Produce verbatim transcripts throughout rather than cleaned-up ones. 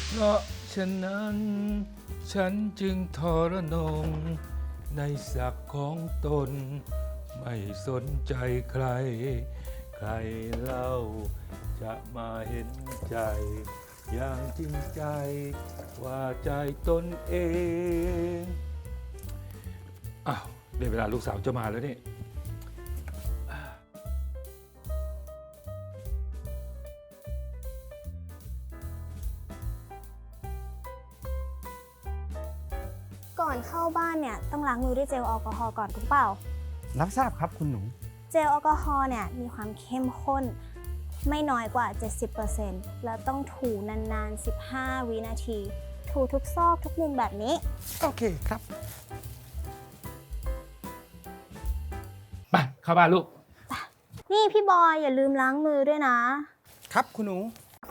เพราะฉะนั้นฉันจึงทรนงในศักดิ์ของตนไม่สนใจใครใครเล่าจะมาเห็นใจอย่างจริงใจว่าใจตนเองอ้าวได้เวลาลูกสาวจะมาแล้วนี่ก่อนเข้าบ้านเนี่ยต้องล้างมือด้วยเจลแอลกอฮอล์ก่อนถูกเปล่ารับทราบครับคุณหนูเจลแอลกอฮอล์เนี่ยมีความเข้มข้นไม่น้อยกว่า เจ็ดสิบเปอร์เซ็นต์ แล้วต้องถูนานๆ สิบห้า วินาที ถูทุกซอกทุกมุมแบบนี้โอเคครับไปเข้าบ้านลูกนี่พี่บอยอย่าลืมล้างมือด้วยนะครับคุณหนู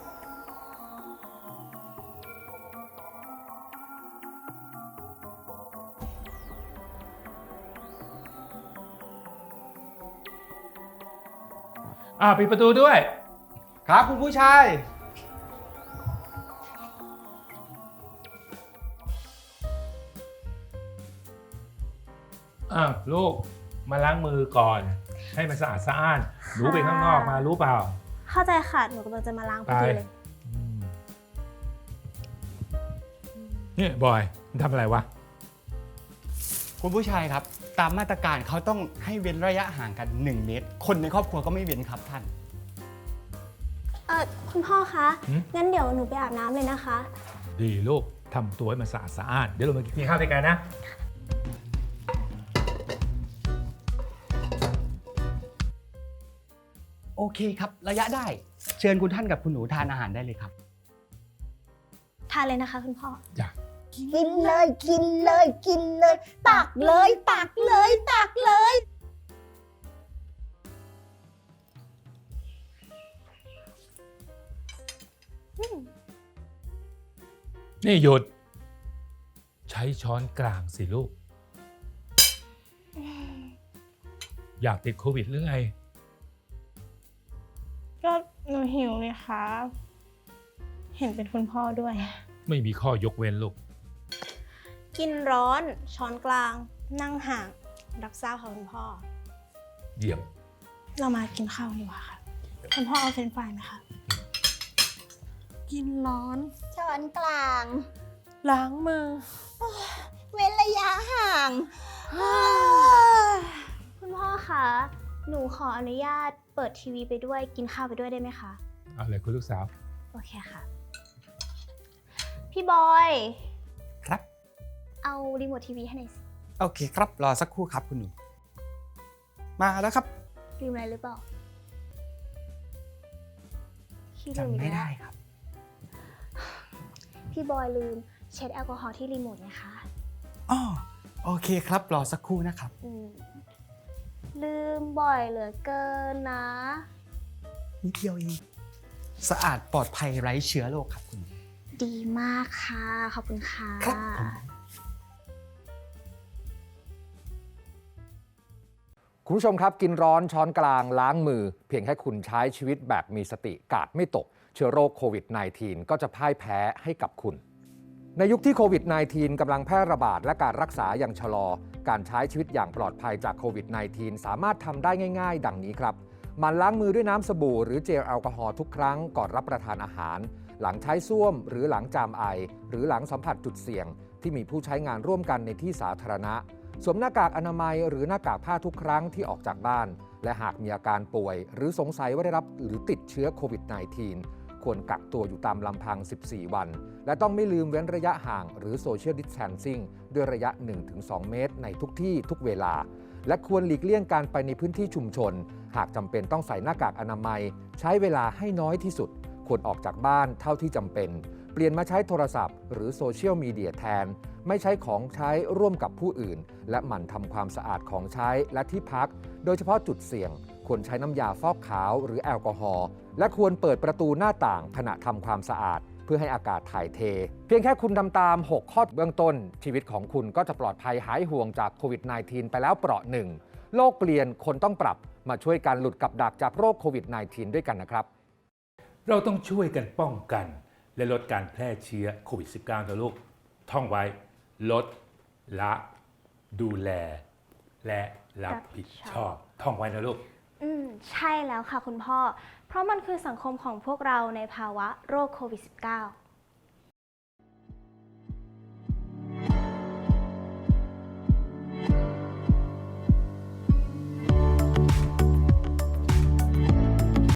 อ่าปิดประตูด้วยครับคุณผู้ชายอ้าวลูกมาล้างมือก่อน ให้มันสะอาดสะอ้านหนูไปข้างนอกมารู้เปล่าเข้าใจค่ะ หนูกำลังจะมาล้างพอดีเลยอืมเนี่ยบอยมันทำอะไรวะคุณผู้ชายครับ ตามมาตรการเขาต้องให้เว้นระยะห่างกันหนึ่งเมตร คนในครอบครัวก็ไม่เว้นครับท่านเออคุณพ่อคะหืมงั้นเดี๋ยวหนูไปอาบน้ำเลยนะคะดีลูกทำตัวให้มันสะอาดสะอ้านเดี๋ยวเรามากินข้าวด้วยกันนะโอเคครับ ระยะได้ เชิญคุณท่านกับคุณหนูทานอาหารได้เลยครับทานเลยนะคะคุณพ่อจ้ะกินเลยกินเลยกินเลย ตักเลยตักเลยตักเลยนี่หยุด ใช้ช้อนกลางสิลูก อยากติดโควิดหรือไงก็หนูหิวเลยครับ เห็นเป็นคุณพ่อด้วยไม่มีข้อยกเว้นลูกกินร้อนช้อนกลางนั่งห่างรับทราบค่ะคุณพ่อเยี่ยมเรามากินข้าวดีกว่าค่ะคุณพ่อเอาเฟรนช์ฟรายไหมคะกินร้อนช้อนกลางล้างมือเว้นระยะห่างคุณพ่อคะหนูขออนุญาตเปิดทีวีไปด้วยกินข้าวไปด้วยได้ไหมคะเอาเลยคุณลูกสาวโอเคค่ะ พี่บอยครับเอารีโมททีวีให้หน่อยสิโอเคครับ รอสักครู่ครับคุณหนู มาแล้วครับลืมอะไรหรือเปล่าพี่ลืจำอีกไม่แล้วได้ครับพี่บอยลืมเช็ดแอลกอฮอล์ที่รีโมทไงคะอ๋อ โอเคครับ รอสักครู่นะครับอืมลืมบ่อยเหลือเกินนะนิดเดียวเอง สะอาดปลอดภัยไร้เชื้อโรคครับคุณหนูดีมากค่ะ ขอบคุณค่ะครับผมคุณผู้ชมครับกินร้อนช้อนกลางล้างมือ เพียงแค่คุณใช้ชีวิตแบบมีสติกาดไม่ตก เชื้อโรคโควิด สิบเก้า ก็จะพ่ายแพ้ให้กับคุณ ในยุคที่โควิด สิบเก้า กำลังแพร่ระบาดและการรักษาอย่างชะลอ การใช้ชีวิตอย่างปลอดภัยจากโควิด สิบเก้า สามารถทำได้ง่ายๆ ดังนี้ครับหมั่นล้างมือด้วยน้ำสบู่หรือเจลแอลกอฮอล์ทุกครั้งก่อนรับประทานอาหาร หลังใช้ส้วมหรือหลังจามไอ หรือหลังสัมผัสจุดเสี่ยง ที่มีผู้ใช้งานร่วมกันในที่สาธารณะ สวมหน้ากากอนามัยหรือหน้ากากผ้าทุกครั้งที่ออกจากบ้าน และหากมีอาการป่วย หรือสงสัยว่าได้รับหรือติดเชื้อโควิด สิบเก้า ควรกักตัวอยู่ตามลำพัง สิบสี่ วัน และต้องไม่ลืมเว้นระยะห่างหรือ Social Distancing ด้วยระยะ หนึ่งถึงสอง เมตรในทุกที่ทุกเวลา และควรหลีกเลี่ยงการไปในพื้นที่ชุมชน หากจำเป็นต้องใส่หน้ากากอนามัย ใช้เวลาให้น้อยที่สุด ควรออกจากบ้านเท่าที่จำเป็น เปลี่ยนมาใช้โทรศัพท์หรือโซเชียลมีเดียแทน ไม่ใช้ของใช้ร่วมกับผู้อื่น และหมั่นทำความสะอาดของใช้และที่พัก โดยเฉพาะจุดเสี่ยง ควรใช้น้ำยาฟอกขาวหรือแอลกอฮอล์ และควรเปิดประตูหน้าต่างขณะทำความสะอาด เพื่อให้อากาศถ่ายเท เพียงแค่คุณทำตาม หก ข้อเบื้องต้น ชีวิตของคุณก็จะปลอดภัยหายห่วงจากโควิด สิบเก้า ไปแล้วเปราะหนึ่ง โลกเปลี่ยนคนต้องปรับมาช่วยกันหลุดกับดักจากโรคโควิด สิบเก้า ด้วยกันนะครับเราต้องช่วยกันป้องกันและลดการแพร่เชื้อโควิด สิบเก้า นะลูก ท่องไว้ ลด ละ ดูแล และรับผิดชอบ ท่องไว้นะลูกอืม ใช่แล้วค่ะคุณพ่อ เพราะมันคือสังคมของพวกเราในภาวะโรคโควิด สิบเก้า